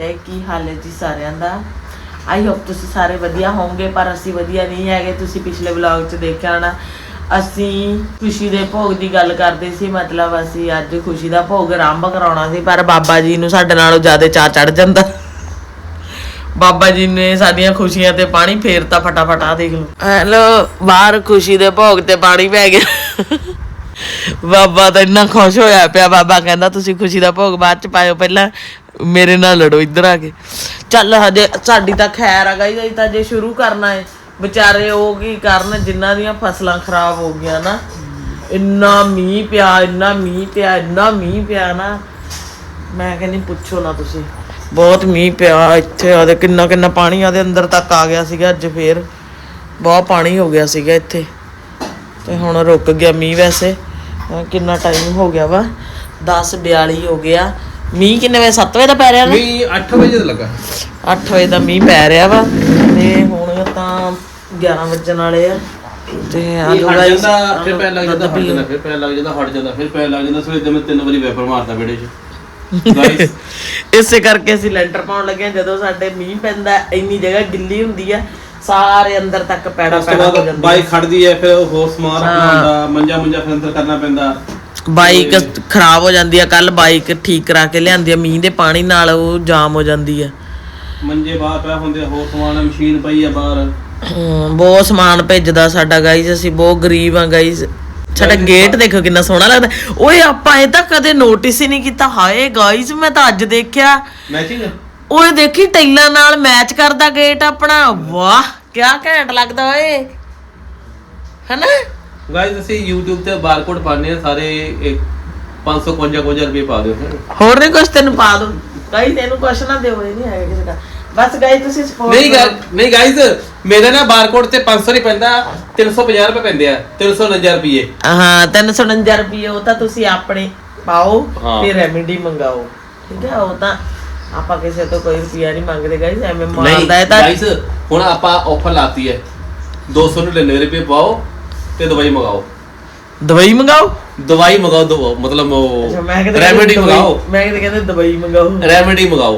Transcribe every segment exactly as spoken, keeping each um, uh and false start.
फतेह। की हाल है जी सारिਆਂ ਦਾ। I hope ਤੁਸੀਂ ਸਾਰੇ ਵਧੀਆ ਹੋਵੋਗੇ, ਪਰ ਅਸੀਂ ਵਧੀਆ ਨਹੀਂ ਹੈਗੇ। ਤੁਸੀਂ ਪਿਛਲੇ ਵਲੌਗ 'ਚ ਦੇਖਿਆ ਹੋਣਾ, ਅਸੀਂ ਖੁਸ਼ੀ ਦੇ ਭੋਗ ਦੀ ਗੱਲ ਕਰਦੇ ਸੀ। ਮਤਲਬ ਅਸੀਂ ਅੱਜ ਖੁਸ਼ੀ ਦਾ ਭੋਗ ਆਰੰਭ ਕਰਾਉਣਾ ਸੀ, ਪਰ ਬਾਬਾ ਜੀ ਨੂੰ ਸਾਡੇ ਨਾਲੋਂ ਜ਼ਿਆਦਾ ਚਾਅ ਚੜ ਜਾਂਦਾ। ਬਾਬਾ ਜੀ ਨੇ ਸਾਡੀਆਂ ਖੁਸ਼ੀਆਂ ਤੇ ਪਾਣੀ ਫੇਰਤਾ ਫਟਾਫਟ। ਆ ਦੇਖ ਲਓ, ਹੈਲੋ, ਬਾਹਰ ਖੁਸ਼ੀ ਦੇ ਭੋਗ ਤੇ ਪਾਣੀ ਪੈ ਗਿਆ। ਬਾਬਾ ਤਾਂ ਇੰਨਾ ਖੁਸ਼ ਹੋਇਆ ਪਿਆ। ਬਾਬਾ ਕਹਿੰਦਾ ਤੁਸੀਂ ਖੁਸ਼ੀ ਦਾ ਭੋਗ ਬਾਅਦ ਚ ਪਾਇਓ, ਪਹਿਲਾਂ ਮੇਰੇ ਨਾਲ ਲੜੋ ਇੱਧਰ ਆ ਕੇ। ਚੱਲ ਹਜੇ ਸਾਡੀ ਤਾਂ ਖੈਰ ਆ ਗਈ, ਤਾਂ ਜੇ ਸ਼ੁਰੂ ਕਰਨਾ ਹੈ ਵਿਚਾਰੇ ਉਹ ਕੀ ਕਰਨ ਜਿਨ੍ਹਾਂ ਦੀਆਂ ਫਸਲਾਂ ਖਰਾਬ ਹੋ ਗਈਆਂ ਨਾ। ਇੰਨਾ ਮੀਂਹ ਪਿਆ, ਇੰਨਾ ਮੀਂਹ ਪਿਆ, ਇੰਨਾ ਮੀਂਹ ਪਿਆ ਨਾ, ਮੈਂ ਕਹਿੰਦੀ ਪੁੱਛੋ ਨਾ ਤੁਸੀਂ। ਬਹੁਤ ਮੀਂਹ ਪਿਆ ਇੱਥੇ। ਆਦੇ ਕਿੰਨਾ ਕਿੰਨਾ ਪਾਣੀ ਆਦੇ ਅੰਦਰ ਤੱਕ ਆ ਗਿਆ ਸੀਗਾ। ਅੱਜ ਫੇਰ ਬਹੁਤ ਪਾਣੀ ਹੋ ਗਿਆ ਸੀਗਾ ਇੱਥੇ, ਤੇ ਹੁਣ ਰੁਕ ਗਿਆ ਮੀਂਹ। ਵੈਸੇ ਕਿੰਨਾ ਟਾਈਮ ਹੋ ਗਿਆ ਵਾ, ਦਸ ਬਿਆਲੀ ਹੋ ਗਿਆ। ਮੀਂਹ ਕਿੰਨੇ ਵਜੇ? ਸੱਤ ਵਜੇ ਦਾ ਪੈ ਰਿਹਾ ਨਾ? ਮੀਂਹ ਅੱਠ ਵਜੇ ਦਾ ਲੱਗਾ। ਅੱਠ ਵਜੇ ਦਾ ਮੀਂਹ ਪੈ ਰਿਹਾ ਵਾ, ਤੇ ਹੁਣ ਤਾਂ ਗਿਆਰਾਂ ਵੱਜਣ ਵਾਲੇ ਆ। ਤੇ ਹਟ ਜਾਂਦਾ, ਫਿਰ ਪੈਰ ਲੱਗ ਜਾਂਦਾ, ਹਟ ਜਾਂਦਾ, ਫਿਰ ਪੈਰ ਲੱਗ ਜਾਂਦਾ, ਹਟ ਜਾਂਦਾ, ਫਿਰ ਪੈਰ ਲੱਗ ਜਾਂਦਾ। ਸਵੇਰ ਦੇ ਮੈਂ ਤਿੰਨ ਵਾਰੀ ਵੈਪਰ ਮਾਰਦਾ ਵਿਹੜੇ 'ਚ। ਇਸੇ ਕਰਕੇ ਅਸੀਂ ਲੈਂਟਰ ਪਾਉਣ ਲੱਗੇ। ਜਦੋਂ ਸਾਡੇ ਮੀਂਹ ਪੈਂਦਾ ਇੰਨੀ ਜਗ੍ਹਾ ਗਿੱਲੀ ਹੁੰਦੀ ਆ, ਸਾਰੇ ਅੰਦਰ ਤੱਕ ਪੈੜਾ ਪੈੜਾ ਹੋ ਜਾਂਦਾ। ਬਾਈਕ ਖੜਦੀ ਹੈ, ਫਿਰ ਹੋਰ ਸਮਾਨ ਰੱਖਣਾ ਹੁੰਦਾ, ਮੰਜਾ ਮੁੰਜਾ ਫਿਰ ਅੰਦਰ ਕਰਨਾ ਪੈਂਦਾ। ਬਾਈਕ ਖਰਾਬ ਹੋ ਜਾਂਦੀ ਆ। ਕੱਲ ਬਾਈਕ ਠੀਕ ਕਰਾ ਕੇ ਲਿਆਂਦੀ ਆ, ਮੀਂਹ ਦੇ ਪਾਣੀ ਨਾਲ ਉਹ ਜਾਮ ਹੋ ਜਾਂਦੀ ਆ। ਮੰਜੇ ਬਾਹਰ ਪਿਆ ਹੁੰਦੇ, ਹੋਰ ਸਮਾਨ, ਮਸ਼ੀਨ ਪਈ ਆ ਬਾਹਰ। ਬਹੁਤ ਸਮਾਨ ਭੇਜਦਾ ਸਾਡਾ ਗਾਈਜ਼। ਅਸੀਂ ਬਹੁਤ ਗਰੀਬ ਆ ਗਾਈਜ਼। ਸਾਡਾ ਗੇਟ ਦੇਖੋ ਕਿੰਨਾ ਸੋਹਣਾ ਲੱਗਦਾ। ਓਏ ਆਪਾਂ ਇਹ ਤਾਂ ਕਦੇ ਨੋਟਿਸ ਹੀ ਨਹੀਂ ਕੀਤਾ। ਹਾਏ ਗਾਈਜ਼, ਮੈਂ ਤਾਂ ਅੱਜ ਦੇਖਿਆ। ਮੈਚਿੰਗ ਓਏ ਦੇਖੀ ਟਾਈਲਾਂ ਨਾਲ ਮੈਚ ਕਰਦਾ ਗੇਟ ਆਪਣਾ। ਵਾਹ ਕਿਆ ਘੈਂਟ ਲੱਗਦਾ ਓਏ, ਹੈਨਾ ਗਾਈਜ਼। ਅਸੀਂ YouTube ਤੇ ਬਾਰਕੋਡ ਪਾਉਂਦੇ ਆ ਸਾਰੇ। ਪੰਜ ਸੌ ਪਚਵੰਜਾ ਰੁਪਏ ਪਾ ਦਿਓ। ਹੋਰ ਨਹੀਂ ਕੁਛ ਤੈਨੂੰ ਪਾ ਦੋ ਗਾਈਜ਼। ਇਹਨੂੰ ਕੁਛ ਨਾ ਦਿਓ, ਇਹ ਨਹੀਂ ਹੈਗਾ ਕਿਸੇ ਦਾ। ਬਸ ਗਾਈਜ਼ ਤੁਸੀਂ ਸਪੋਰਟ ਨਹੀਂ ਨਹੀਂ ਗਾਈਜ਼, ਮੇਰਾ ਨਾ ਬਾਰਕੋਡ ਤੇ ਪੰਜ ਸੌ ਨਹੀਂ ਪੈਂਦਾ, ਤਿੰਨ ਸੌ ਪੰਜਾਹ ਰੁਪਏ ਪੈਂਦੇ ਆ। ਤਿੰਨ ਸੌ ਉਣੰਜਾ ਰੁਪਏ। ਹਾਂ, ਤਿੰਨ ਸੌ ਉਣੰਜਾ ਰੁਪਏ। ਉਹ ਤਾਂ ਤੁਸੀਂ ਆਪਣੇ ਪਾਓ ਤੇ ਰੈਮੇਡੀ ਮੰਗਾਓ, ਠੀਕ ਹੈ। ਉਹ ਤਾਂ ਆਪਾਂ ਕਿਸੇ ਤੋਂ ਕੋਈ ਰੁਪਿਆ ਨਹੀਂ ਮੰਗਦੇ ਗਾਈਜ਼। ਐਵੇਂ ਮਾਰਦਾ ਹੈ ਤਾਂ ਗਾਈਜ਼। ਹੁਣ ਆਪਾਂ ਆਫਰ ਲਾਤੀ ਹੈ, ਦੋ ਸੌ ਨੜਿਨਵੇਂ ਰੁਪਏ ਪਾਓ ਤੇ ਦਵਾਈ ਮੰਗਾਓ। ਦਵਾਈ ਮੰਗਾਓ? ਦਵਾਈ ਮੰਗਾਓ, ਦਵਾਓ ਮਤਲਬ ਰੈਮੇਡੀ ਮੰਗਾਓ। ਮੈਂ ਕਿਤੇ ਕਹਿੰਦੇ ਦਵਾਈ ਮੰਗਾਓ, ਰੈਮੇਡੀ ਮੰਗਾਓ।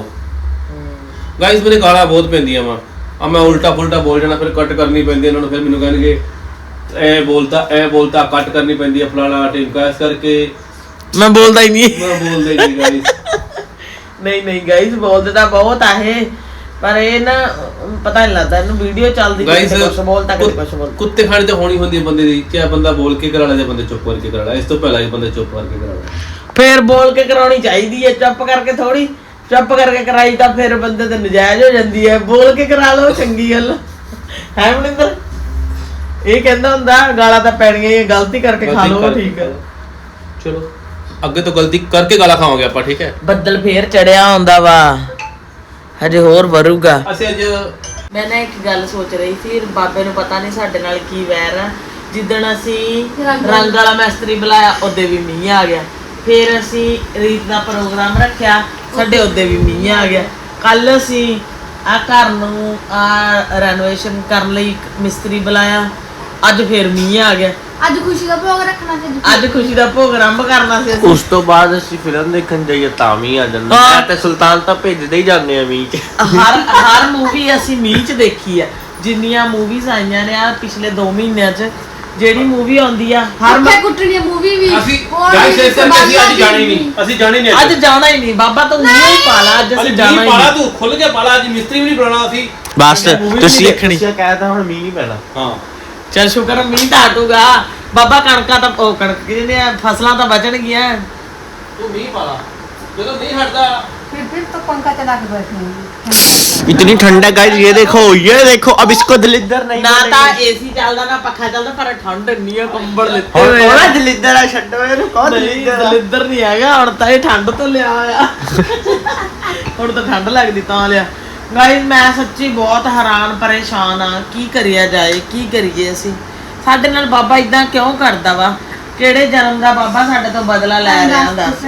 ਗਾਈਜ਼ ਮੇਰੇ ਗਾਲਾਂ ਬਹੁਤ ਪੈਂਦੀਆਂ ਵਾ। ਆ ਮੈਂ ਉਲਟਾ ਫੁਲਟਾ ਬੋਲ ਜਾਣਾ, ਫਿਰ ਕੱਟ ਕਰਨੀ ਪੈਂਦੀ ਇਹਨਾਂ ਨੂੰ। ਫਿਰ ਮੈਨੂੰ ਕਹਿਣਗੇ ਐ ਬੋਲਤਾ ਐ ਬੋਲਤਾ, ਕੱਟ ਕਰਨੀ ਪੈਂਦੀ ਹੈ ਫਲਾਣਾ ਟਿਮਕਾ। ਇਸ ਕਰਕੇ ਮੈਂ ਬੋਲਦਾ ਹੀ ਨਹੀਂ। ਮੈਂ ਬੋਲਦਾ ਹੀ ਨਹੀਂ ਗਾਈਜ਼। ਨਹੀਂ ਨਹੀਂ ਗਾਈਜ਼, ਬੋਲਦੇ ਤਾਂ ਬਹੁਤ ਆ ਇਹ, ਪਰ ਇਹ ਨਾ ਪਤਾ ਨਹੀਂ ਲੱਗਦਾ ਇਹਨੂੰ। ਵੀਡੀਓ ਚੱਲਦੀ ਗਾਈਜ਼ ਕੁਛ ਬੋਲਦਾ, ਕੁਛ ਬੋਲ। ਕੁੱਤੇ ਖਾਣੇ ਤੇ ਹੋਣੀ ਹੁੰਦੀ ਹੈ ਬੰਦੇ ਦੀ। ਕਿਆ ਬੰਦਾ ਬੋਲ ਕੇ ਕਰਾ ਲਾ ਜਾਂ ਬੰਦੇ ਚੁੱਪ ਕਰਕੇ ਕਰਾ ਲਾ। ਇਸ ਤੋਂ ਪਹਿਲਾਂ ਹੀ ਬੰਦਾ ਚੁੱਪ ਕਰਕੇ ਕਰਾ ਲਾ। ਫੇਰ ਬੋਲ ਕੇ ਕਰਾਉਣੀ ਚਾਹੀਦੀ ਹੈ, ਚੁੱਪ ਕਰਕੇ ਥੋੜੀ। ਚੁੱਪ ਕਰਕੇ ਕਰਾਈ ਤਾਂ ਫਿਰ ਬੰਦੇ ਤੇ ਨਜਾਇਜ਼ ਹੋ ਜਾਂਦੀ ਹੈ। ਬੋਲ ਕੇ ਕਰਾ ਲਓ, ਚੰਗੀ ਗੱਲ ਹੈ। ਮਨਿੰਦਰ ਇਹ ਕਹਿੰਦਾ ਹੁੰਦਾ ਗਾਲਾਂ ਤਾਂ ਪੈਣੀਆਂ ਹੀ, ਗਲਤੀ ਕਰਕੇ ਖਾ ਲਓ, ਠੀਕ ਹੈ। ਚਲੋ ਅੱਗੇ ਤੋਂ ਗਲਤੀ ਕਰਕੇ ਗਾਲਾਂ ਖਾਵਾਂਗੇ ਆਪਾਂ, ਠੀਕ ਹੈ। ਬੱਦਲ ਫੇਰ ਚੜਿਆ ਹੁੰਦਾ ਵਾ, ਹਜੇ ਹੋਰ ਵਰੂਗਾ। ਅਸੀਂ ਅੱਜ ਮੈਂ ਨਾ ਇੱਕ ਗੱਲ ਸੋਚ ਰਹੀ ਸੀ, ਬਾਬੇ ਨੂੰ ਪਤਾ ਨਹੀਂ ਸਾਡੇ ਨਾਲ ਕੀ ਵੈਰ ਆ। ਜਿੱਦਣ ਅਸੀਂ ਰੰਗ ਵਾਲਾ ਮਿਸਤਰੀ ਬੁਲਾਇਆ, ਉਹਦੇ ਵੀ ਮੀਂਹ ਆ ਗਿਆ। ਫਿਰ ਅਸੀਂ ਰੀਤ ਦਾ ਪ੍ਰੋਗਰਾਮ ਰੱਖਿਆ, ਸਾਡੇ ਉਹਦੇ ਵੀ ਮੀਂਹ ਆ ਗਿਆ। ਕੱਲ ਅਸੀਂ ਆ ਘਰ ਨੂੰ ਆ ਰੈਨੋਵੇਸ਼ਨ ਕਰਨ ਲਈ ਮਿਸਤਰੀ ਬੁਲਾਇਆ, ਅੱਜ ਫਿਰ ਮੀਂਹ ਆ ਗਿਆ। ਅੱਜ ਖੁਸ਼ੀ ਦਾ ਭੋਗ ਰੱਖਣਾ ਸੀ। ਅੱਜ ਖੁਸ਼ੀ ਦਾ ਭੋਗ ਆਰੰਭ ਕਰਨਾ ਸੀ। ਉਸ ਤੋਂ ਬਾਅਦ ਅਸੀਂ ਫਿਲਮ ਦੇਖਣ ਜਾਈਏ ਤਾਂ ਵੀ ਆ ਜਾਂਦਾ। ਮੈਂ ਤੇ ਸੁਲਤਾਨ ਤਾਂ ਭੇਜਦੇ ਹੀ ਜਾਂਦੇ ਆ ਮੀਂਹ ਚ। ਹਰ ਹਰ ਮੂਵੀ ਅਸੀਂ ਮੀਂਹ ਚ ਦੇਖੀ ਆ। ਜਿੰਨੀਆਂ ਮੂਵੀਜ਼ ਆਈਆਂ ਨੇ ਆ ਪਿਛਲੇ ਦੋ ਮਹੀਨਿਆਂ ਚ, ਜਿਹੜੀ ਮੂਵੀ ਆਉਂਦੀ ਆ ਹਰ ਕੁੱਤੇ ਕੁੱਟਣੀ ਮੂਵੀ ਵੀ ਅਸੀਂ ਗਾਈਸ ਇਸ ਕਰਕੇ ਅਸੀਂ ਅੱਜ ਜਾਣੀ ਨਹੀਂ। ਅਸੀਂ ਜਾਣੀ ਨਹੀਂ ਅੱਜ ਜਾਣਾ ਹੀ ਨਹੀਂ। ਬਾਬਾ ਤੂੰ ਮੀਂਹ ਹੀ ਪਾ ਲਾ, ਅੱਜ ਅਸੀਂ ਜਾਣਾ ਹੀ ਪਾਲਾ। ਨਹੀਂ। ਤੂੰ ਖੁੱਲ ਕੇ ਪਾਲਾ, ਅੱਜ ਮਿਸਤਰੀ ਵੀ ਨਹੀਂ ਬੁਲਾਣਾ ਅਸੀਂ। ਬਸ ਤੁਸੀਂ ਦੇਖਣੀ। ਕਹਿਤਾ ਹੁਣ ਮੀਂਹ ਨਹੀਂ ਪੈਣਾ। ਹਾਂ ਚੱਲ ਸ਼ੁਕਰ ਮੀਂਹ ਤਾਂ ਹਟੂਗਾ। ਬਾਬਾ ਕਣਕਾਂ ਤਾਂ ਉਹ ਕਣਕ ਕਹਿੰਦੇ ਆ ਫਸਲਾਂ ਤਾਂ ਬਚਣਗੀਆਂ। ਤੂੰ ਮੀਂਹ ਪਾਲਾ, ਜਦੋਂ ਨਹੀਂ ਹਟਦਾ फिर फिर तो पंखा चला के बैठे। इतनी ठंडा गाइस, ये देखो ये देखो। अब इसको दलिद्दर नहीं ਨਾ ਤਾਂ ਏਸੀ ਚੱਲਦਾ ਨਾ ਪੱਖਾ ਚੱਲਦਾ, ਪਰ ਠੰਡ ਇੰਨੀ ਆ, ਕੰਬਲ ਲਿੱਤੇ और ਹੋਏ ਆ। कौन दलिद्दर है? छड्डो ਇਹਨੂੰ, कौन ਨਹੀਂ दलिद्दर है? ਦਲਿੱਦਰ ਨਹੀਂ ਹੈਗਾ। ਹੁਣ ਤਾਂ ਇਹ ਠੰਡ ਤੋਂ ਲਿਆ ਆ। ਹੁਣ ਤਾਂ ਠੰਡ ਲੱਗਦੀ ਤਾਂ ਲਿਆ। ਗਾਇਸ ਮੈਂ ਸੱਚੀ ਬਹੁਤ ਹੈਰਾਨ ਪਰੇਸ਼ਾਨ ਆ। ਕੀ ਕਰਿਆ ਜਾਏ, ਕੀ ਕਰੀਏ ਅਸੀਂ? ਸਾਡੇ ਨਾਲ ਬਾਬਾ ਇਦਾਂ ਕਿਉਂ ਕਰਦਾ ਵਾ? ਕਿਹੜੇ ਜਨਮ ਦਾ ਬਾਬਾ ਸਾਡੇ ਤੋਂ ਬਦਲਾ ਲੈ ਰਿਹਾ? ਦੱਸ।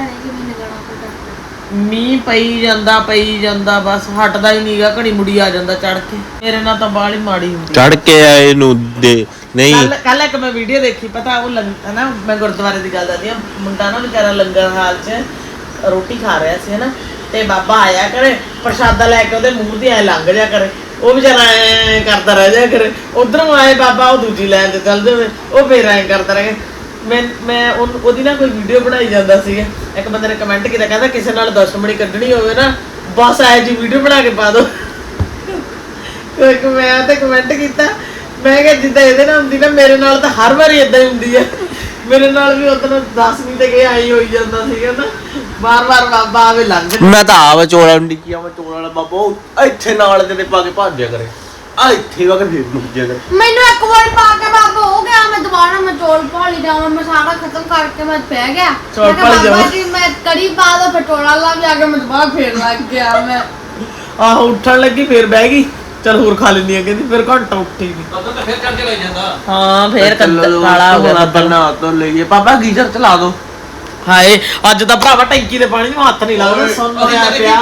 ਮੀਂਹ ਪਈ ਜਾਂਦਾ ਪਈ ਜਾਂਦਾ, ਬਸ ਹਟਦਾ ਹੀ ਨਹੀਂਗਾ। ਘੜੀ ਮੁੜੀ ਆ ਜਾਂਦਾ ਚੜ ਕੇ। ਮੇਰੇ ਨਾਲ ਤਾਂ ਬਾਹਲੀ ਮਾੜੀ ਹੁੰਦੀ। ਚੜ ਕੇ ਆਏ ਨੂੰ ਦੇ ਨਹੀਂ। ਕੱਲ ਕੱਲ ਇੱਕ ਮੈਂ ਵੀਡੀਓ ਦੇਖੀ, ਪਤਾ ਉਹ ਹਨਾ, ਮੈਂ ਗੁਰਦੁਆਰੇ ਦੀ ਗੱਲ ਦੱਸਦੀ ਆ। ਮੁੰਡਾ ਨਾ ਵਿਚਾਰਾ ਲੰਗਰ ਹਾਲ 'ਚ ਰੋਟੀ ਖਾ ਰਿਹਾ ਸੀ ਹਨਾ, ਤੇ ਬਾਬਾ ਆਇਆ ਕਰੇ ਪ੍ਰਸ਼ਾਦਾ ਲੈ ਕੇ ਉਹਦੇ ਮੂੰਹ ਤੇ ਐ ਲੰਘ ਜਾ ਕਰੇ, ਉਹ ਵਿਚਾਰਾ ਐ ਕਰਦਾ ਰਹਿ ਜਾ ਕਰੇ, ਉਧਰੋਂ ਆਏ ਬਾਬਾ ਉਹ ਦੂਜੀ ਲਾਈਨ ਤੇ ਚੱਲ ਜਾਵੇ, ਉਹ ਫੇਰ ਐ ਕਰਦਾ ਰਹੇ। ਮੈਂ ਮੈਂ ਉਹਨੂੰ- ਉਹਦੀ ਨਾ ਕੋਈ ਵੀਡੀਓ ਬਣਾਈ ਜਾਂਦਾ ਸੀਗਾ, ਇੱਕ ਬੰਦੇ ਨੇ ਕਮੈਂਟ ਕੀਤਾ ਕਹਿੰਦਾ ਕਿਸੇ ਨਾਲ ਦੁਸ਼ਮਣੀ ਕੱਢਣੀ ਹੋਵੇ ਨਾ ਬਸ ਐ ਜੀ ਵੀਡੀਓ ਬਣਾ ਕੇ ਪਾ ਦੋ। ਇੱਕ ਮੈਂ ਤੇ ਕਮੈਂਟ ਕੀਤਾ, ਮੈਂ ਕਿਹਾ ਜਿੱਦਾਂ ਇਹਦੇ ਨਾਲ ਹੁੰਦੀ ਨਾ ਮੇਰੇ ਨਾਲ ਤਾਂ ਹਰ ਵਾਰੀ ਇਦਾਂ ਹੀ ਹੁੰਦੀ ਹੈ। ਮੇਰੇ ਨਾਲ ਵੀ ਉਦੋਂ ਦਸਵੀਂ ਤੇ ਗਏ ਆਈ ਹੋਈ ਜਾਂਦਾ ਸੀਗਾ ਨਾ, ਬਾਰ ਬਾਰ ਬਾਬਾ ਆਵੇ ਲੰਘ ਜਾ। ਮੈਂ ਤਾਂ ਆਵਾ ਚੋਲਾ ਨੂੰ ਡਿੱਕੀ ਆਵਾ ਚੋਲਾ ਵਾਲਾ ਬਾਬਾ ਉਹ ਇੱਥੇ ਨਾਲ ਦੇ ਪਾ ਕੇ ਭੱਜ ਜਾ ਕਰੇ, ਆ ਇੱਥੇ ਵਾ ਕੇ ਫੇਰ ਮੁੱਕ ਜਾ ਕਰੇ। ਮੈਨੂੰ ਇੱਕ ਵਾਰ ਪਾ ਕੇ ਬਾਬਾ ਹੋ ਗਿਆ, ਮੈਂ ਦੁਬਾਰਾ ਮੈਂ ਚੋਲ ਭਾਲੀ ਜਾਵਾਂ, ਮੈਂ ਸਾਰਾ ਖਤਮ ਕਰਕੇ ਮੈਂ ਪੈ ਗਿਆ। ਚੌਲ ਮੈਂ ਕਿਹਾ ਭਾਲੀ ਬਾਬਾ ਜਾਵਾਂ। ਜੀ ਮੈਂ ਕੜੀ ਪਾ ਦੋ ਫਟੋਲਾ ਲਾ ਕੇ ਆ ਕੇ ਮੈਂ ਦੁਬਾਰਾ ਫੇਰ ਲੱਗ ਗਿਆ। ਮੈਂ ਆਹੋ ਉੱਠਣ ਲੱਗੀ ਫੇਰ ਬਹਿ ਗਈ, ਚਲ ਹੋਰ ਖਾ ਲੈਂਦੀ ਆ ਕਹਿੰਦੀ, ਫਿਰ ਘੰਟਾ ਉੱਠੀ ਨਹੀਂ। ਉਦੋਂ ਤਾਂ ਫਿਰ ਕਰਕੇ ਲੈ ਜਾਂਦਾ। ਹਾਂ ਫੇਰ ਕਾਲਾ ਹੋ ਗਿਆ ਬਣਾ ਤੋਂ ਲਈਏ ਬਾਬਾ ਗੀਜ਼ਰ ਚਲਾ ਦੋ। ਹਾਏ ਅੱਜ ਤਾਂ ਭਰਾਵਾ ਟੈਂਕੀ ਦੇ ਪਾਣੀ ਨੂੰ ਹੱਥ ਨਹੀਂ ਲੱਗਦਾ, ਸੁਣ ਰਿਹਾ ਪਿਆ।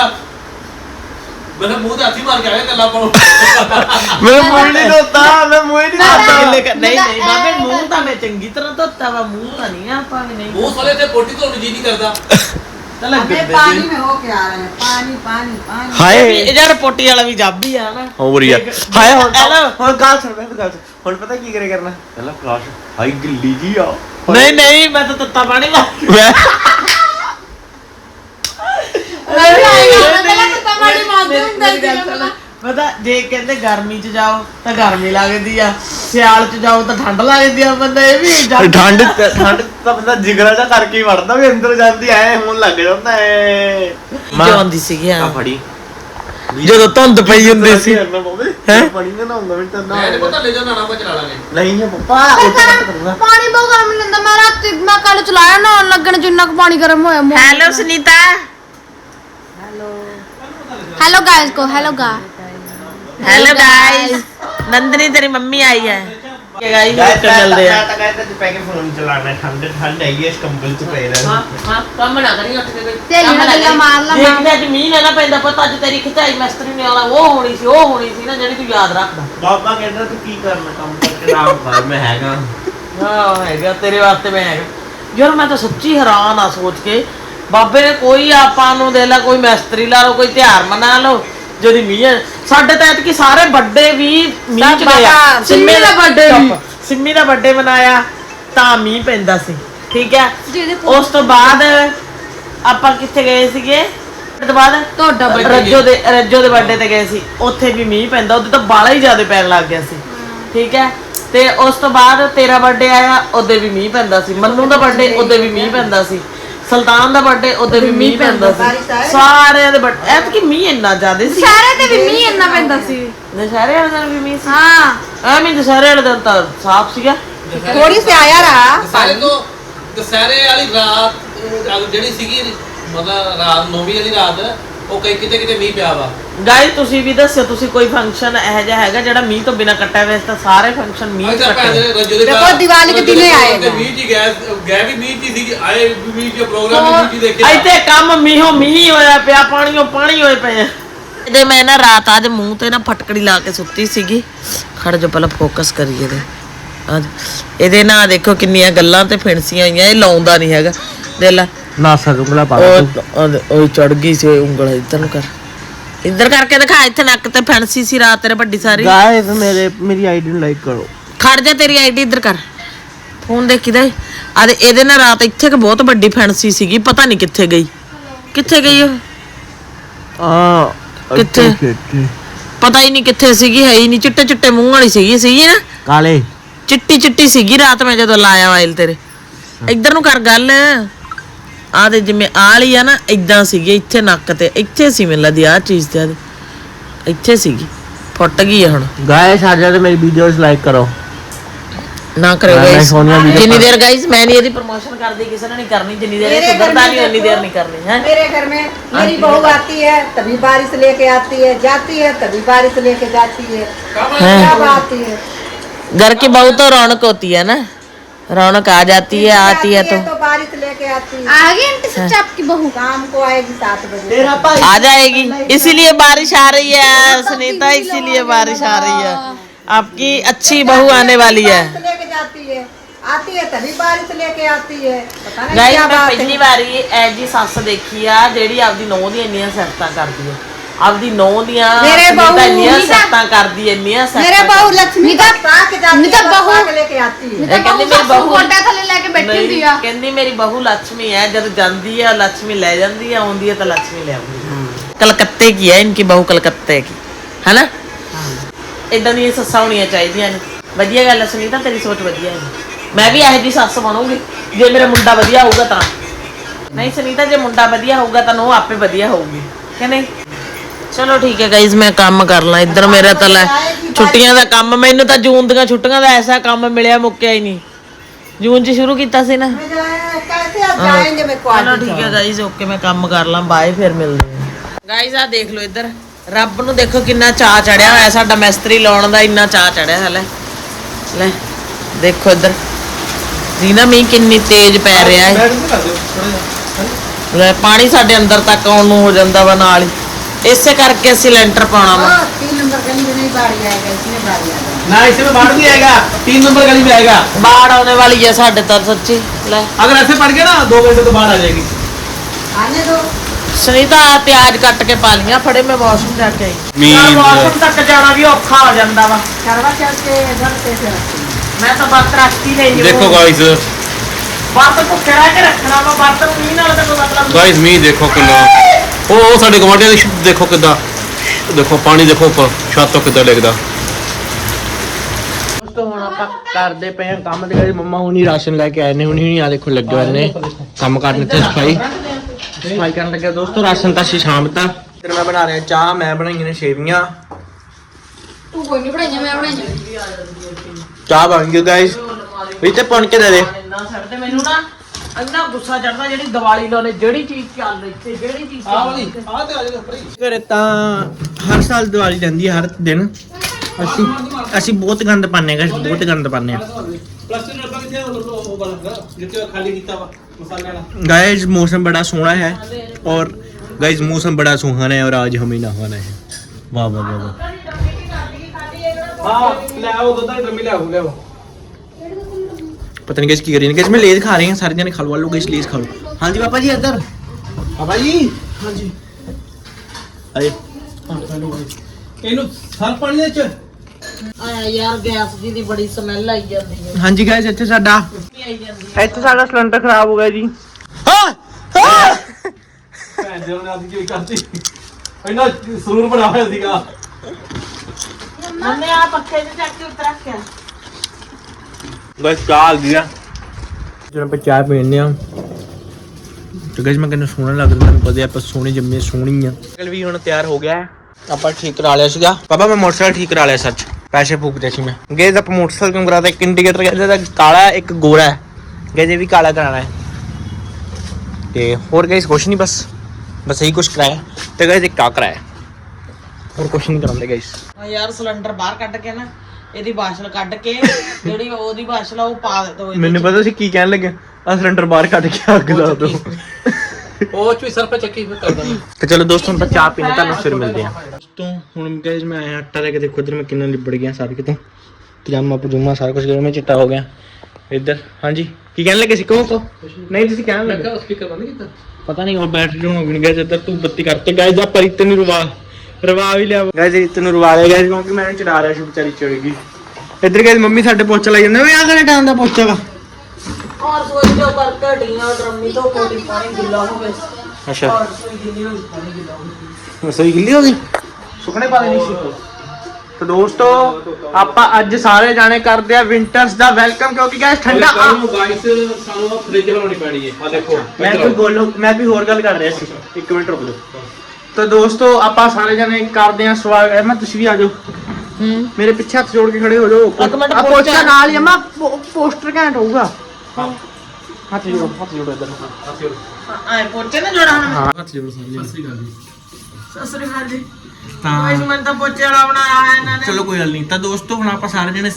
ਮੈਂ ਮੂੰਹ ਤੇ ਹੱਥੀ ਮਾਰ ਕੇ ਆਇਆ ਕੱਲਾ ਪਾਉ। ਮੈਂ ਮੂੰਹ ਨਹੀਂ ਧੋਤਾ, ਮੈਂ ਮੂੰਹ ਨਹੀਂ ਹੱਥ ਧੋਤਾ। ਗਿੱਲੇ ਕਰ- ਨਹੀਂ ਨਹੀਂ ਬਾਬੇ ਮੂੰਹ ਤਾਂ ਮੈਂ ਚੰਗੀ ਤਰ੍ਹਾਂ ਧੋਤਾ ਵਾ, ਮੂੰਹ ਤਾਂ ਨਹੀਂ ਆਪਾਂ ਵੀ ਨਹੀਂ ਮੂੰਹ ਸਾਲੇ ਤੇ ਪੋਟੀ ਧੋਣ ਨੂੰ ਜੀ ਨਹੀਂ ਕਰਦਾ। ਚੱਲ ਅੱਗੇ हमें पानी में होके आ रहे हैं, पानी पानी पानी। ਹਾਏ ਇਹ ਜਿਹੜਾ ਪੋਟੀ ਵਾਲਾ ਵੀ ਜਾਬੀ ਆ ਨਾ। ਹੋ ਰਹੀ ਆ ਇੱਕ- ਹਾਏ ਹੁਣ ਹੈਲੋ। ਹੁਣ ਗੱਲ ਸੁਣ ਮੈਂ ਗੱਲ ਸੁਣ ਹੁਣ ਪਤਾ ਕੀ ਕਰੇ ਕਰਨਾ ਪਹਿਲਾਂ ਫਲਾਸ਼ ਹਾਈ ਗਿੱਲੀ ਜੀ ਆ ਨਹੀਂ ਨਹੀਂ ਮੈਂ ਤਾਂ ਤੱਤਾ ਪਾਣੀ ਲਾ ਮੈਂ ਮੈਂ ਵੀ ਆਏਗਾ ਮੈਂ ਪਹਿਲਾਂ ਤਾਂ ਤਮਾੜੀ ਮਾਰਦੇ ਹੁੰਦਾ ਸੀ ਮੈਂ। ਪਤਾ ਜੇ ਕਹਿੰਦੇ ਗਰਮੀ ਚ ਜਾਓ ਤਾਂ ਗਰਮੀ ਲੱਗਦੀ ਆ, ਸਿਆਲ ਚ ਜਾਓ ਤਾਂ ਠੰਡ ਲੱਗਦੀ ਆ, ਬੰਦਾ ਇਹ ਵੀ ਜਾਬੀ ਠੰਡ ਠੰਡ ਤਾਂ ਬੰਦਾ ਜਿਗਰਾ ਜਾ ਕਰਕੇ ਹੀ ਵੜਦਾ ਵੀ ਅੰਦਰ ਜਾਂਦੀ ਐ ਹੁਣ ਲੱਗ ਜਾਂਦਾ ਐ ਜੋ ਆਉਂਦੀ ਸੀਗੀ ਆ ਆ ਫੜੀ ਜਦੋਂ ਧੁੰਦ ਪਈ ਹੁੰਦੀ ਸੀ। ਹੈਂ? ਪਾਣੀ ਨਾ ਨਹਾਉਂਦਾ ਮੈਂ ਤਾਂ ਮੈਂ ਨਹੀਂ ਪਤਾ ਲੈ ਜਾ ਨਾਣਾ ਮੈਂ ਚਲਾ ਲਾਂਗੇ। ਨਹੀਂ ਹੈ ਪਪਾ ਫਿਰ ਗਰਮ- ਪਾਣੀ ਬਹੁਤ ਗਰਮ ਲੈਂਦਾ, ਮੈਂ ਰਾਤੀ ਮੈਂ ਕੱਲ ਚਲਾਇਆ ਨਾ ਲੱਗਣ ਜਿੰਨਾ ਕੁ ਪਾਣੀ ਗਰਮ ਹੋਇਆ ਮੂੰਹ। ਹੈਲੋ ਸੁਨੀਤਾ। हेलो गाइस को हेलो गा ਹੈਲੋ ਗਾਇਸ ਨੰਦਨੀ ਤੇਰੀ ਮੰਮੀ ਆਈ ਹੈ। ਕੀ ਗਾਇਸ ਮਿਲਦੇ ਆ। ਤਾਂ ਕਹਿੰਦਾ ਤੂੰ ਪੈ ਕੇ ਫੋਨ ਚਲਾਣਾ ਠੰਡ ਠੰਡ ਹੈਗੀ ਇਸ ਕੰਬਲ ਚ ਪੈ ਰਹਿ ਹਾਂ ਹਾਂ ਕੰਮ ਨਾ ਕਰੀ ਉੱਠ ਕੇ ਕੋਈ ਤੇਰੀ ਕੰਮ ਨਾ ਨਾਲ ਕਰੀ। ਮਾਰ ਲਾ, ਜੇ ਮਾਰ। ਕਿਤੇ ਅੱਜ ਮੀਂਹ ਨਾ ਨਾ ਪੈਂਦਾ ਪਤਾ ਅੱਜ ਤੇਰੀ ਖਿਚਾਈ ਮਿਸਤਰੀ ਨੇ ਆਉਣਾ, ਉਹ ਹੋਣੀ ਸੀ ਉਹ ਹੋਣੀ ਸੀ ਨਾ ਜਿਹੜੀ ਤੂੰ ਯਾਦ ਰੱਖਦਾ। ਬਾਬਾ ਕਹਿੰਦਾ ਤੂੰ ਕੀ ਕਰਨਾ ਕੰਮ ਕਰਕੇ ਆਰਾਮ ਕਰ ਮੈਂ ਹੈਗਾ ਹਾਂ ਹੈਗਾ ਤੇਰੇ ਵਾਸਤੇ ਮੈਂ ਹੈਗਾ ਯਾਰ। ਮੈਂ ਤਾਂ ਸੱਚੀ ਹੈਰਾਨ ਆ ਸੋਚ ਕੇ ਬਾਬੇ ਨੇ ਕੋਈ ਆਪਾਂ ਨੂੰ ਦੇ ਲਾ ਕੋਈ ਮਿਸਤਰੀ ਲਾ ਲਓ ਕੋਈ ਤਿਉਹਾਰ ਮਨਾ ਲਓ ਜਿਹੜੀ ਮੀਂਹ ਹੈ। ਸਾਡੇ ਤਾਂ ਐਤਕੀ ਸਾਰੇ ਵੱਡੇ ਵੀ ਮੀਂਹ ਚ ਗਏ ਆ। ਸਿੰਮੀ ਦਾ ਬਰਥਡੇ ਵੀ ਸਿੰਮੀ ਦਾ ਬਰਥਡੇ ਮਨਾਇਆ ਤਾਂ ਮੀਂਹ ਪੈਂਦਾ ਸੀ, ਠੀਕ ਹੈ। ਜਿਹਦੇ ਉਸ ਤੋਂ ਬਾਅਦ ਆਪਾਂ ਕਿੱਥੇ ਗਏ ਸੀਗੇ, ਉਸ ਤੋਂ ਬਾਅਦ ਤੁਹਾਡਾ ਰੱਜੋ ਦੇ ਰੱਜੋ ਦੇ ਬਰਥਡੇ ਤੇ ਗਏ ਸੀ, ਉੱਥੇ ਵੀ ਮੀਂਹ ਪੈਂਦਾ, ਉਹਦੇ ਤਾਂ ਬਾਲਾ ਹੀ ਜ਼ਿਆਦਾ ਪੈਣ ਲੱਗ ਗਿਆ ਸੀ, ਠੀਕ ਹੈ। ਤੇ ਉਸ ਤੋਂ ਬਾਅਦ ਤੇਰਾ ਬਰਥਡੇ ਆਇਆ, ਉਹਦੇ ਵੀ ਮੀਂਹ ਪੈਂਦਾ ਸੀ। ਮੰਨੂ ਦਾ ਬਰਥਡੇ ਉਹਦੇ ਵੀ ਮੀਂਹ ਪੈਂਦਾ ਸੀ। ਸੁਲਤਾਨ ਦਾ ਬਰਥਡੇ ਉਹਦੇ ਵੀ ਮੀਂਹ ਪੈਂਦਾ ਸੀ। ਸਾਰਿਆਂ ਦੇ ਬਰਥਡੇ ਐਤਕੀ ਮੀਂਹ ਇੰਨਾ ਜ਼ਿਆਦਾ ਸੀ। ਸਾਰੇ ਤੇ ਵੀ ਮੀਂਹ ਇੰਨਾ ਪੈਂਦਾ ਸੀ। ਦੁਸ਼ਹਿਰੇ ਵਾਲੇ ਦਿਨ ਵੀ ਮੀਂਹ ਸੀ। ਹਾਂ ਐਵੇਂ ਦੁਸ਼ਹਿਰੇ ਵਾਲੇ ਦਿਨ ਤਾਂ ਸਾਫ਼ ਸੀਗਾ। थोड़ी से आया रहा ਦੁਸਹਿਰੇ ਤੋਂ ਦੁਸਹਿਰੇ ਵਾਲੀ ਰਾਤ ਅਹ, ਜਿਹੜੀ ਸੀਗੀ ਮਤਲਬ ਰਾਤ ਨੌਵੀਂ ਵਾਲੀ ਰਾਤ ਉਹ ਕਈ ਕਿਤੇ ਕਿਤੇ ਮੀਂਹ ਪਿਆ ਵਾ। ਗਾਇਸ ਤੁਸੀਂ ਵੀ ਦੱਸਿਓ ਤੁਸੀਂ ਕੋਈ ਫੰਕਸ਼ਨ ਇਹੋ ਜਿਹਾ ਹੈਗਾ ਜਿਹੜਾ ਮੀਂਹ ਤੋਂ ਬਿਨਾ ਕੱਟਿਆ ਹੋਇਆ। ਤਾਂ ਸਾਰੇ ਫੰਕਸ਼ਨ ਮੀਂਹ ਅੱਛਾ ਭੈਣ ਕੱਟੇ। ਦੇ ਰੱਜੋ ਦੇ ਦੇਖੋ, ਦੀਵਾਲੀ ਦੇ ਦਿਨੇ ਆਏ ਤੇ ਮੀਂਹ ਜੀ ਗਏ ਗਏ ਵੀ ਮੀਂਹ ਜੀ ਸੀ, ਆਏ ਵੀ ਮੀਂਹ ਜੀ, ਪ੍ਰੋਗਰਾਮ ਵੀ ਮੀਂਹ ਜੀ ਦੇਖਿਆ। ਇੱਥੇ ਕੰਮ ਮੀਂਹੋਂ ਮੀਂਹ ਹੋਇਆ ਪਿਆ, ਪਾਣੀਓ ਪਾਣੀ ਹੋਏ ਪਏ ਆ। ਇਹਦੇ ਮੈਂ ਨਾ ਰਾਤ ਅੱਜ ਮੂੰਹ ਤੇ ਨਾ ਫਟਕੜੀ ਲਾ ਕੇ ਸੁੱਤੀ ਸੀਗੀ। ਖੜ ਜੋ ਪਹਿਲਾਂ ਫੋਕਸ ਕਰੀਏ ਇਹਦੇ ਅੱਜ ਇਹਦੇ ਨਾਲ ਦੇਖੋ ਕਿੰਨੀਆਂ ਗੱਲਾਂ ਤੇ ਫਿਣਸੀਆਂ ਆਈਆਂ। ਇਹ ਲਾਉਂਦਾ ਨਹੀਂ ਹੈਗਾ ਦੇਖ ਲੈ। ਨਾਸਾ ਉਂਗਲਾ ਪਾ ਉਹ ਉਹ ਚੜ ਗਈ ਸੀ ਉਂਗਲ ਇੱਧਰ ਨੂੰ ਕਰ, ਇੱਧਰ ਕਰਕੇ ਦਿਖਾ। ਇੱਥੇ ਨੱਕ ਤੇ ਫੈਂਸੀ ਸੀ ਰਾਤ ਤੇਰੇ ਵੱਡੀ ਸਾਰੀ। ਗਾਇਸ ਮੇਰੇ ਮੇਰੀ ਆਈਡੀ ਨੂੰ ਲਾਈਕ ਕਰੋ। ਖੜ ਜਾ ਤੇਰੀ ਆਈਡੀ ਇੱਧਰ ਕਰ, ਫੋਨ ਦੇਖੀ ਦਾ। ਆ ਇਹਦੇ ਨਾਲ ਰਾਤ ਇੱਥੇ ਕਿ ਬਹੁਤ ਵੱਡੀ ਫੈਂਸੀ ਸੀਗੀ, ਪਤਾ ਨਹੀਂ ਕਿੱਥੇ ਗਈ ਕਿੱਥੇ ਗਈ ਉਹ, ਆ ਕਿੱਥੇ? ਪਤਾ ਹੀ ਨਹੀਂ ਕਿੱਥੇ ਸੀਗੀ, ਹੈ ਹੀ ਨਹੀਂ। ਚਿੱਟੇ ਚਿੱਟੇ ਮੂੰਹ ਵਾਲੀ ਸੀਗੀ ਸੀਗੀ ਨਾ, ਕਾਲੇ ਚਿੱਟੀ ਚਿੱਟੀ ਸੀਗੀ ਰਾਤ ਮੈਂ ਜਦੋਂ ਲਾਇਆ ਵਾਇਲ ਤੇਰੇ। ਇੱਧਰ ਨੂੰ ਕਰ ਗੱਲ। ਆ ਦੇ ਜਿਵੇਂ ਆਲੀ ਆ ਨਾ ਇਦਾਂ ਸੀਗੀ ਇੱਥੇ ਨੱਕ ਤੇ, ਇੱਥੇ ਸੀ ਮੈਨੂੰ ਲੱਗਦੀ ਆ ਚੀਜ਼ ਤੇ ਇੱਥੇ ਸੀਗੀ, ਫੁੱਟ ਗਈ ਆ ਹੁਣ। ਗਾਇਸ ਆ ਜਾ ਤੇ ਮੇਰੀ ਵੀਡੀਓਜ਼ ਲਾਈਕ ਕਰੋ ਨਾ ਕਰਿਓ ਮੈਂ ਗਾਇਸ ਸੋਨੀਆ ਵੀਡੀਓ ਜਿੰਨੀ ਦੇਰ ਗਾਇਸ ਮੈਂ ਨਹੀਂ ਇਹਦੀ ਪ੍ਰਮੋਸ਼ਨ ਕਰਦੀ, ਕਿਸੇ ਨੇ ਨਹੀਂ ਕਰਨੀ। ਜਿੰਨੀ ਦੇਰ ਇਹ ਸੁਧਰਦਾ ਨਹੀਂ ਉਨੀ ਦੇਰ नहीं करनी है। मेरे घर में मेरी बहू आती है तभी बारिश लेके आती है, जाती है तभी बारिश लेके जाती है, कब आती है। घर की बहू तो रौनक होती है ना, रौनक आ जाती है आती है तो तो बारिश लेके आती है, आ गई आंटी सच्ची आपकी बहू। शाम को आएगी सात बजे। तेरा भाई आ जाएगी, इसीलिए बारिश आ रही है सुनीता, इसीलिए बारिश आ रही है। आपकी अच्छी बहू आने वाली है। बारिश लेके जाती है, आती है तभी बारिश लेके आती है पता नहीं ਗਾਇਸ क्या ਮੈਂ बात ਪਹਿਲੀ है। ਵਾਰੀ ਐ ਜੀ ਸੱਸ ਦੇਖੀ ਆ ਜਿਹੜੀ ਆਪਦੀ ਨੂੰਹ ਦੀ ਇੰਨੀਆਂ ਸਿਫਤਾਂ ਕਰਦੀ ਆ ਆਪਦੀ ਨੂੰਹ ਦੀਆਂ ਮੇਰੇ ਸੁਨੀਤਾ ਬਹੂ ਇੰਨੀਆਂ ਨਹੀਂ ਤਾਂ- ਸਿਫਤਾਂ ਕਰਦੀ ਇੰਨੀਆਂ ਸਿਫਤਾਂ मेरे बहू लक्ष्मी का साग जाती नहीं तो है बहू- साग लेके आती है नहीं तो ਕਹਿੰਦੀ बहू मेरी ससुर बहू- गोड्या थले लेके बैठी ਨਹੀਂ, हुई आ ਕਹਿੰਦੀ ਮੇਰੀ ਬਹੂ ਲక్ష్ਮੀ ਹੈ ਜਦ ਜਾਂਦੀ ਹੈ ਲక్ష్ਮੀ ਲੈ ਜਾਂਦੀ ਹੈ ਆਉਂਦੀ ਹੈ ਤਾਂ ਲక్ష్ਮੀ ਲੈ ਆਉਂਦੀ ਹੈ ਕਲਕੱਤੇ ਕੀ ਹੈ ਇਨਕੀ ਬਹੂ ਕਲਕੱਤੇ ਕੀ ਹੈ ਨਾ ਇਦਾਂ ਦੀਆਂ ਸੱਸਾਂ ਹੋਣੀਆਂ ਚਾਹੀਦੀਆਂ ਨੇ ਵਧੀਆ ਗੱਲ ਹੈ ਸੁਨੀਤਾ ਤੇਰੀ ਸੋਚ ਵਧੀਆ ਹੈ ਮੈਂ ਵੀ ਇਹੋ ਜਿਹੀ ਸੱਸ ਬਣੂੰਗੀ ਜੇ ਮੇਰਾ ਮੁੰਡਾ ਵਧੀਆ ਹੋਊਗਾ ਤਾਂ ਨਹੀਂ ਸੁਨੀਤਾ ਜੇ ਮੁੰਡਾ ਵਧੀਆ ਹੋਊਗਾ ਤਾਂ ਉਹ ਆਪੇ ਵਧੀਆ ਹੋਊਗੀ ਕਿ ਨਹੀਂ ਚਲੋ ਠੀਕ ਹੈ ਗਾਈਜ਼ ਮੈਂ ਕੰਮ ਕਰ ਲਾਂ ਇੱਧਰ ਮੇਰਾ ਤਾਂ ਲੈ ਛੁੱਟੀਆਂ ਦਾ ਕੰਮ ਮੈਨੂੰ ਤਾਂ ਜੂਨ ਦੀਆਂ ਛੁੱਟੀਆਂ ਦਾ ਐਸਾ ਕੰਮ ਮਿਲਿਆ ਮੁੱਕਿਆ ਹੀ ਨਹੀਂ ਜੂਨ ਚ ਸ਼ੁਰੂ ਕੀਤਾ ਸੀ ਨਾ मैं जाए- कैसे अब जाएंगे मेरे को ਚਲੋ आज ਠੀਕ ਹੈ ਗਾਈਜ਼ ਓਕੇ ਮੈਂ ਕੰਮ ਕਰ ਲਾਂ ਬਾਏ ਫਿਰ ਮਿਲਦੇ ਹਾਂ ਗਾਈਜ਼ ਆ ਦੇਖ ਲਓ ਇੱਧਰ ਰੱਬ ਨੂੰ ਦੇਖੋ ਕਿੰਨਾ ਚਾਅ ਚੜਿਆ ਹੋਇਆ ਸਾਡਾ ਮਿਸਤਰੀ ਲਾਉਣ ਦਾ ਇੰਨਾ ਚਾਅ ਚੜਿਆ ਹੈ ਲੈ ਲੈ ਦੇਖੋ ਇੱਧਰ ਰੀਨਾ ਮੀਂਹ ਕਿੰਨੀ ਤੇਜ਼ ਪੈ ਰਿਹਾ ਹੈ ਬੈਠ ਕੇ ਕਰ ਦਿਓ ਥੋੜਾ ਜਿਹਾ ਲੈ ਪਾਣੀ ਸਾਡੇ ਅੰਦਰ ਤੱਕ ਆਉਣ ਨੂੰ ਹੋ ਜਾਂਦਾ ਵਾ ਨਾਲ ਹੀ ਇਸੇ ਕਰਕੇ ਅਸੀਂ ਲੈਂਟਰ ਪਾਉਣਾ ਵਾ हाँ, तीन नंबर गली में नहीं बाढ़ आएगा इसमें बाढ़ आएगा ना इसमें बाढ़ भी आएगा तीन नंबर गली में आएगा ਬਾੜ ਆਉਣੇ ਵਾਲੀ ਹੈ ਸਾਡੇ ਤਾਂ ਸੱਚੀ ਲੈ अगर ऐसे पड़ गया ना दो घंटे तो बाढ़ आ जाएगी आने दो ਸੁਨੀਤਾ ਪਿਆਜ਼ ਕੱਟ ਕੇ ਪਾ ਲੀਆਂ ਫੜੇ ਮੈਂ ਵਾਸ਼ਰੂਮ ਜਾ ਕੇ ਆਈ ਮੀਂਹ ਯਾਰ ਵਾਸ਼ਰੂਮ ਤੱਕ ਜਾਣਾ ਵੀ ਔਖਾ ਹੋ ਜਾਂਦਾ ਵਾ करवा चौथ के घर कैसे रखती है ਮੈਂ ਤਾਂ ਵਰਤ ਰੱਖੀ ਨਹੀਂ देखो गाइस ਵਰਤ ਭੁੱਖੇ ਰਹਿ ਕੇ ਰੱਖਣਾ ਵਾ ਵਰਤ ਨੂੰ ਮੀਂਹ ਨਾਲ ਤਾਂ ਕੋਈ ਮਤਲਬ गाइस ਮੀਂਹ ਦੇਖੋ ਕਿੰਨਾ ਉਹ ਉਹ ਸਾਡੇ ਗਵਾਂਢੀਆਂ ਦੀ ਛੱਤ ਦੇਖੋ ਕਿੱਦਾਂ ਦੇਖੋ ਪਾਣੀ ਦੇਖੋ ਉੱਪਰ ਛੱਤ ਤੋਂ ਕਿੱਦਾਂ ਡਿੱਗਦਾ ਦੋਸਤੋ ਹੁਣ ਆਪਾਂ ਕਰਦੇ ਪਏ ਆ ਕੰਮ ਤੇ ਗਏ ਮੰਮਾ ਹੁਣੀ ਰਾਸ਼ਨ ਲੈ ਕੇ ਆਏ ਨੇ ਹੁਣੀ ਹੁਣੀ ਆ ਦੇਖੋ ਲੱਗੇ ਹੋਏ ਨੇ ਕੰਮ ਕਰਨ ਤੇ ਸਫਾਈ ਸਫਾਈ ਕਰਨ ਲੱਗੇ ਦੋਸਤੋ ਰਾਸ਼ਨ ਤਾਂ ਅਸੀਂ ਸ਼ਾਮ ਤੱਕ ਤੇ ਮੈਂ ਬਣਾ ਰਿਹਾ ਚਾਹ ਮੈਂ ਬਣਾਈਆਂ ਨੇ ਸੇਵੀਆਂ तू कोई नहीं बनाई मैं बनाई ਚਾਹ ਬਣ ਗਈ ਗਾਇਸ ਵੀ ਤੇ ਪੁਣ ਕੇ ਦੇ ਦੇ ਇੰਨਾ ਛੱਡਦੇ ਮੈਨੂੰ ਨਾ ਇੰਨਾ ਗੁੱਸਾ ਚੜਦਾ ਜਿਹੜੀ ਦੀਵਾਲੀ ਲਾਉਣੇ ਜਿਹੜੀ ਚੀਜ਼ ਚੱਲ ਰਹੀ ਤੇ ਜਿਹੜੀ ਚੀਜ਼ ਆ ਵਾਲੀ ਆ ਤੇ ਆ ਜਾ ਉੱਪਰ ਹੀ ਘਰੇ ਤਾਂ ਹਰ ਸਾਲ ਦੀਵਾਲੀ ਰਹਿੰਦੀ ਹੈ ਹਰ ਦਿਨ ਅਸੀਂ ਅਸੀਂ ਬਹੁਤ ਗੰਦ ਪਾਉਂਦੇ ਹਾਂ guys, ਬਹੁਤ ਗੰਦ ਪਾਉਂਦੇ ਹਾਂ ਪਲਾਸਟਿਕ ਦਾ ਡੱਬਾ ਕਿੱਥੇ ਉਹ ਉਹ ਵਾਲਾ ਜਿੱਥੇ ਖਾਲੀ ਕੀਤਾ ਵਾ ਮਸਾਲੇ ਵਾਲਾ गाइस मौसम बड़ा सोहना है और गाइस मौसम बड़ा सुहाना है और आज हमें नहाना है वाह वाह वाह वाह ਹਾਂ ਲੈ ਆਓ ਦੁੱਧ ਦੀ ਡਰਮੀ ਲੈ ਆਓ ਲੈ ਆਓ पता नहीं गाइस की कर रही है गाइस मैं लेज खा रहे हैं सारे जने खा लो लो गाइस लेज खा लो हाँ जी पापा जी इधर पापा जी हाँ जी अरे ਇਹਨੂੰ ਸਾਲ ਪਾਣੀ ਦੇ ਚ ਆਇਆ ਯਾਰ ਗੈਸ ਦੀ ਦੀ ਬੜੀ ਸਮੈਲ ਆਈ ਜਾਂਦੀ ਹੈ हाँ जी गाइस ਇੱਥੇ ਸਾਡਾ ਆਈ ਜਾਂਦੀ ਇੱਥੇ ਸਾਡਾ ਸਿਲੰਡਰ ਖਰਾਬ ਹੋ ਗਿਆ ਜੀ ਭੈਣ ਦੇ ਉਹਨੇ ਅੱਜ ਕੀ ਕਰਤੀ ਇਹਨਾਂ ਸਰੂਰ ਬਣਾ ਹੋਇਆ ਸੀਗਾ ਮੰਨੇ ਆ ਪੱਖੇ 'ਚ ਚੱਕ ਕੇ ਉੱਤਰ ਰੱਖਿਆ गाइस ਚਾਹ ਆ ਗਿਆ ਜਦੋਂ ਆਪਾਂ ਚਾਹ ਪੀਂਦੇ ਆ ਤੇ ਗਾਇਸ ਮੈਂ ਕਹਿੰਦਾ ਸੋਹਣਾ ਲੱਗ ਰਿਹਾ ਤੁਹਾਨੂੰ ਪਤਾ ਆਪਾਂ ਸੋਹਣੇ ਜੰਮੇ ਸੋਹਣੀ ਆ ਕੱਲ ਵੀ ਹੁਣ ਤਿਆਰ ਹੋ ਗਿਆ ਹੈ ਆਪਾਂ ਠੀਕ ਕਰਾ ਲਿਆ ਸੀਗਾ ਪਾਪਾ ਮੈਂ ਮੋਟਰਸਾਈਕਲ ਠੀਕ ਕਰਾ ਲਿਆ ਸੱਚ ਪੈਸੇ ਫੂਕਦੇ ਸੀ ਮੈਂ ਗਾਇਸ ਆਪਾਂ ਮੋਟਰਸਾਈਕਲ ਕਿਉਂ ਕਰਾਤਾ ਇੱਕ ਇੰਡੀਕੇਟਰ ਕਹਿੰਦਾ ਕਾਲਾ ਹੈ ਇੱਕ ਗੋਰਾ ਹੈ ਗਾਇਸ ਇਹ ਵੀ ਕਾਲਾ ਕਰਾਣਾ ਹੈ ਤੇ ਹੋਰ ਗਾਇਸ ਕੁਛ ਨਹੀਂ ਬਸ ਬਸ ਇਹੀ ਕੁਛ ਕਰਾਇਆ ਤੇ ਗਾਇਸ ਇੱਕ ਟਾ ਕਰਾਇਆ ਹੋਰ ਕੁਛ ਨਹੀਂ ਕਰਾਉਂਦੇ ਗਾਇਸ ਹਾਂ ਯਾਰ ਸਿਲੰਡਰ ਬਾਹਰ ਕੱਢ ਕੇ ਨਾ ਇਹਦੀ ਬਾਸ਼ਲ ਕੱਢ ਕੇ ਜਿਹੜੀ ਉਹਦੀ ਬਾਸ਼ਲ ਆ ਉਹ ਪਾ ਦੋ ਮੈਨੂੰ ਪਤਾ ਸੀ ਕੀ ਕਹਿਣ ਲੱਗੇ ਆ ਸਿਲੰਡਰ ਬਾਹਰ ਕੱਢ ਕੇ ਅੱਗ ਲਾ ਦੋ ਉਹ ਚ ਵੀ ਸਰ ਪੇ ਚੱਕੀ ਫਿਰ ਕਰ ਦਾਂਗੇ ਤੇ ਚਲੋ ਦੋਸਤੋ ਹੁਣ ਆਪਾਂ ਚਾਹ ਪੀਣੇ ਤੁਹਾਨੂੰ ਫਿਰ ਮਿਲਦੇ ਆ ਦੋਸਤੋ ਹੁਣ ਗਾਇਸ ਮੈਂ ਆਇਆ ਆਟਾ ਲੈ ਕੇ ਦੇਖੋ ਇਧਰ ਮੈਂ ਕਿੰਨਾ ਲਿਬੜ ਗਿਆ ਸਾਰੇ ਕਿਤੋਂ ਪਜਾਮਾ ਪਜੂਮਾ ਸਾਰਾ ਕੁਝ ਗਰਮ ਚਿੱਟਾ ਹੋ ਗਿਆ ਇੱਧਰ ਹਾਂਜੀ ਕੀ ਕਹਿਣ ਲੱਗੇ ਸੀ ਕਹੋ ਕੋ ਨਹੀਂ ਤੁਸੀਂ ਕਹਿਣ ਲੱਗੇ ਸਪੀਕਰ ਬੰਦ ਕੀਤਾ ਪਤਾ ਨਹੀਂ ਉਹ ਬੈਟਰੀ ਡਾਊਨ ਹੋ ਗਈ ਗਾਇਸ ਇੱਧਰ ਤੂੰ ਬੱਤੀ ਕਰਤੇ ਗਾਇਸ ਦਾ ਪਰ ਇਤਨੇ ਰਵਾ ਰਵਾ ਵੀ ਲਿਆ ਗਾਇਸ ਇਤਨੇ ਰਵਾ ਲਿਆ ਗਾਇਸ ਕਿਉਂਕਿ ਮੈਂ ਚੜਾ ਰਿਹਾ ਸੀ ਵਿਚਾਰੀ ਚੜ ਗਈ ਇੱਧਰ ਗਾਇਸ ਮੰਮੀ ਸਾਡੇ ਪੋਚਾ ਲਾਈ ਜਾਂਦੇ ਓਏ ਆ ਕਿਹੜਾ ਟਾਈਮ ਦਾ ਪੋਚਾ ਵਾ ਔਰ ਸੋਈ ਜੋ ਕਰਕੇ ਢੀਆਂ ਡਰਮੀ ਤੋਂ ਕੋਈ ਪਾਣੀ ਗਿੱਲਾ ਹੋਵੇ ਅੱਛਾ ਔਰ ਸੋਈ ਗਿੱਲੀ ਹੋਈ ਪਾਣੀ ਗਿੱਲਾ ਹੋਵੇ ਰਸੋਈ ਗਿੱਲੀ ਹੋ ਗਈ ਸੁੱਕਣੇ ਪਾ ਦੇਣੀ ਸੀ तो ਦੋਸਤੋ ਆਪਾਂ ਅੱਜ ਸਾਰੇ ਜਾਣੇ ਕਰਦੇ ਆ ਵਿੰਟਰਸ ਦਾ ਵੈਲਕਮ ਕਿਉਂਕਿ ਗਾਇਸ ਠੰਡਾ ਆ ਗਾਇਸ ਸਾਨੂੰ ਫ੍ਰਿਜ ਲਾਉਣੀ ਪੈਣੀ ਹੈ ਆ ਦੇਖੋ ਮੈਂ ਕੋਈ ਬੋਲੋ ਮੈਂ ਵੀ ਹੋਰ ਗੱਲ ਕਰ ਰਿਹਾ ਸੀ ਇੱਕ ਮਿੰਟ ਰੁਕ ਜਾਓ ਤਾਂ ਦੋਸਤੋ ਆਪਾਂ ਸਾਰੇ ਜਾਣੇ ਕਰਦੇ ਆ ਸਵਾਗਤ ਮੈਂ ਤੁਸੀਂ ਵੀ ਆ ਜਾਓ ਹੂੰ ਮੇਰੇ ਪਿੱਛੇ ਹੱਥ ਜੋੜ ਕੇ ਖੜੇ ਹੋ ਜਾਓ ਇੱਕ ਮਿੰਟ ਆ ਪੋਚਾ- ਪੋਚਾ ਨਾਲ ਹੀ ਆ ਮੈਂ ਪੋਸਟਰ ਘੈਂਟ ਹੋਊਗਾ ਹੱਥ ਜੋੜੋ ਹੱਥ ਜੋੜੋ ਇੱਧਰ ਆਏ ਪੋਚੇ ਨਾ ਜੋੜਾ ਹੁਣ ਹਾਂ ਹੱਥ ਜੋੜੋ ਸਾਰੇ ਸਸਰੀ ਗੱਲ ਜੀ ਸਸਰੀ ਘਰ ਜੀ ਤਾਂ ਗਾਇਸ ਮੈਂ ਤਾਂ ਪੋਚੇ ਵਾਲਾ ਬਣਾਇਆ ਹੈ ਇਹਨਾਂ ਨੇ ਚਲੋ ਕੋਈ ਗੱਲ ਨਹੀਂ ਤਾਂ ਦੋਸਤੋ ਹੁਣ ਆਪਾਂ ਸਾਰੇ ਜਣੇ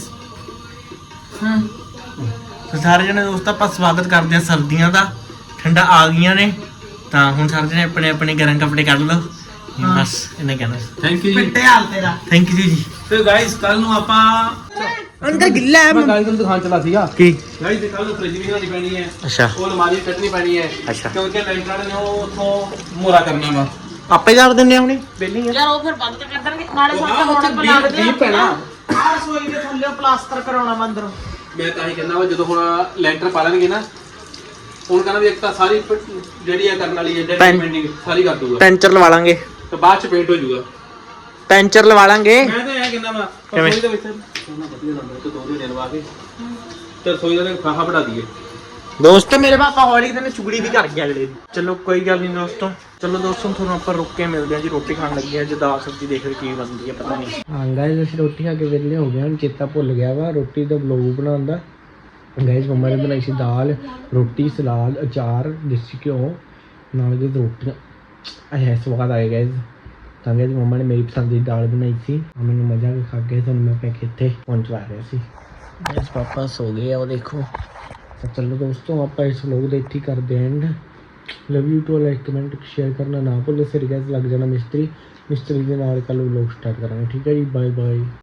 ਹਾਂ ਤਾਂ ਸਾਰੇ ਜਣੇ ਦੋਸਤ ਆਪਾਂ ਸਵਾਗਤ ਕਰਦੇ ਆ ਸਰਦੀਆਂ ਦਾ ਠੰਡਾ ਆ ਗਈਆਂ ਨੇ ਤਾਂ ਹੁਣ ਸਾਰੇ ਜਣੇ ਆਪਣੇ ਆਪਣੇ ਗਰਮ ਕੱਪੜੇ ਕੱਢ ਲਓ ਬਸ ਇਹਨੇ ਕਹਿਣਾ ਥੈਂਕ ਯੂ ਜੀ ਪਿੱਟੇ ਹਾਲ ਤੇਰਾ ਥੈਂਕ ਯੂ ਜੀ ਤੇ ਗਾਇਸ ਕੱਲ ਨੂੰ ਆਪਾਂ ਅੰਦਰ ਗਿੱਲਾ ਹੈ ਮੈਂ ਗਾਇਸ ਨੂੰ ਦਿਖਾਣ ਚਲਾ ਸੀਗਾ ਕੀ ਗਾਇਸ ਦੇ ਕੱਲ ਨੂੰ ਫ੍ਰਿਜ ਵੀ ਲਾਣੀ ਪੈਣੀ ਹੈ ਅੱਛਾ ਉਹ ਅਲਮਾਰੀ ਕੱਟਣੀ ਪੈਣੀ ਹੈ ਅੱਛਾ ਕਿਉਂਕਿ ਲੈਂਟਰ ਨੇ ਉਹ ਉਥੋਂ ਮੋਰਾ ਕਰਨਾ ਵਾ ਆਪੇ ਕਰ ਦਿੰਦੇ ਆ ਹੁਣੇ ਬੇਲੀ ਆ ਯਾਰ ਉਹ ਫਿਰ ਬੰਦ ਕਰ ਦੇਣਗੇ ਨਾਲੇ ਉਹ ਹਾਂ, ਸਾਡਾ ਉੱਥੇ ਹੁਣ ਬਣਾ ਦੇ ਡੀਪ ਪੈਣਾ। ਆਹ ਰਸੋਈ ਦੇ ਥੱਲੇ ਪਲਾਸਟਰ ਕਰਾਉਣਾ ਵਾ ਅੰਦਰੋਂ ਮੈਂ ਤਾਂ ਹੀ ਕਹਿੰਦਾ ਵਾ ਜਦੋਂ ਹੁਣ ਲੈਂਟਰ ਪਾ ਲੈਣਗੇ ਨਾ ਹੁਣ ਕਹਿੰਦਾ ਵੀ ਇੱਕ ਤਾਂ ਸਾਰੀ ਪ- ਜਿਹੜੀ ਆ ਕਰਨ ਵਾਲੀ ਹੈ ਪੈਨ- ਡੈਮੇਜਿੰਗ ਸਾਰੀ ਕਰ ਦੂਗਾ ਪੈਂਚਰ ਲਵਾ ਲਾਂਗੇ ਤੇ ਬਾਅਦ ਚ ਪੇਂਟ ਹੋ ਜਾਊਗਾ ਪੈਂਚਰ ਲਵਾ ਲਾਂਗੇ ਮੈਂ ਤਾਂ ਇਹ ਕਹਿੰਦਾ ਵਾ ਕਿਵੇਂ? ਰਸੋਈ ਦੇ ਵਿੱਚ ਸੋਨਾ ਵਧੀਆ ਲੰਦਾ ਤੇ ਦੋ ਦਿਨ ਲਵਾ ਕੇ ਤੇ ਰਸੋਈ ਦਾ ਖਾਹਾ ਬਣਾ ਦਈਏ ਦੋਸਤੋ ਮੇਰੇ ਪਾਪਾ ਹੌਲੀ ਦਿਨ ਚੁਗਲੀ ਵੀ ਕਰ ਗਿਆ ਅਗਲੇ ਦੀ ਚਲੋ ਕੋਈ ਗੱਲ ਨਹੀਂ ਦੋਸਤੋ ਚਲੋ ਦੋਸਤੋ ਤੁਹਾਨੂੰ ਆਪਾਂ ਰੁੱਕ ਕੇ ਮਿਲਦੇ ਹਾਂ ਜੀ ਰੋਟੀ ਖਾਣ ਲੱਗੇ ਆ ਜੀ ਦਾਲ ਸਬਜ਼ੀ ਦੇਖ ਰਹੇ ਕੀ ਬਣਦੀ ਹੈ ਪਤਾ ਨਹੀਂ ਹਾਂ ਗਾਇਸ ਅਸੀਂ ਰੋਟੀ ਖਾ ਕੇ ਵਿਹਲੇ ਹੋ ਗਏ ਹਾਂ ਚੇਤਾ ਭੁੱਲ ਗਿਆ ਵਾ ਰੋਟੀ ਦਾ ਵਲੋਗ ਬਣਾਉਣ ਦਾ ਗਾਇਸ ਮੰਮਾ ਨੇ ਬਣਾਈ ਸੀ ਦਾਲ ਰੋਟੀ ਸਲਾਦ ਅਚਾਰ ਦੇਸੀ ਘਿਓ ਨਾਲ ਦੇ ਰੋਟੀਆਂ ਆਇਆ ਸਵਾਦ ਆਇਆ ਗਾਇਸ ਤਾਂ ਗਾਇਸ ਮੰਮਾ ਨੇ ਮੇਰੀ ਪਸੰਦ ਦੀ ਦਾਲ ਬਣਾਈ ਸੀ ਮੈਨੂੰ ਮਜ਼ਾ ਆ ਕੇ ਖਾ ਕੇ ਤੁਹਾਨੂੰ ਮੈਂ ਪੈ ਕੇ ਇੱਥੇ ਪਹੁੰਚਵਾ ਰਿਹਾ ਸੀ ਗਾਇਸ ਪਾਪਾ ਸੋ ਗਏ ਆ ਉਹ ਦੇਖੋ ਤਾਂ ਚਲੋ ਦੋਸਤੋ ਆਪਾਂ ਇਸ ਵਲੋਗ ਦੇ ਇੱਥੇ ਹੀ ਕਰਦੇ ਹਾਂ and love you too like comment share ਕਰਨਾ ਨਾ ਭੁੱਲੋ ਫਿਰ ਗਾਇਸ ਲੱਗ ਜਾਣਾ ਮਿਸਤਰੀ ਮਿਸਤਰੀ ਦੇ ਨਾਲ ਕੱਲ ਵਲੋਗ ਸਟਾਰਟ ਕਰਾਂਗੇ ਠੀਕ ਹੈ ਜੀ ਬਾਏ ਬਾਏ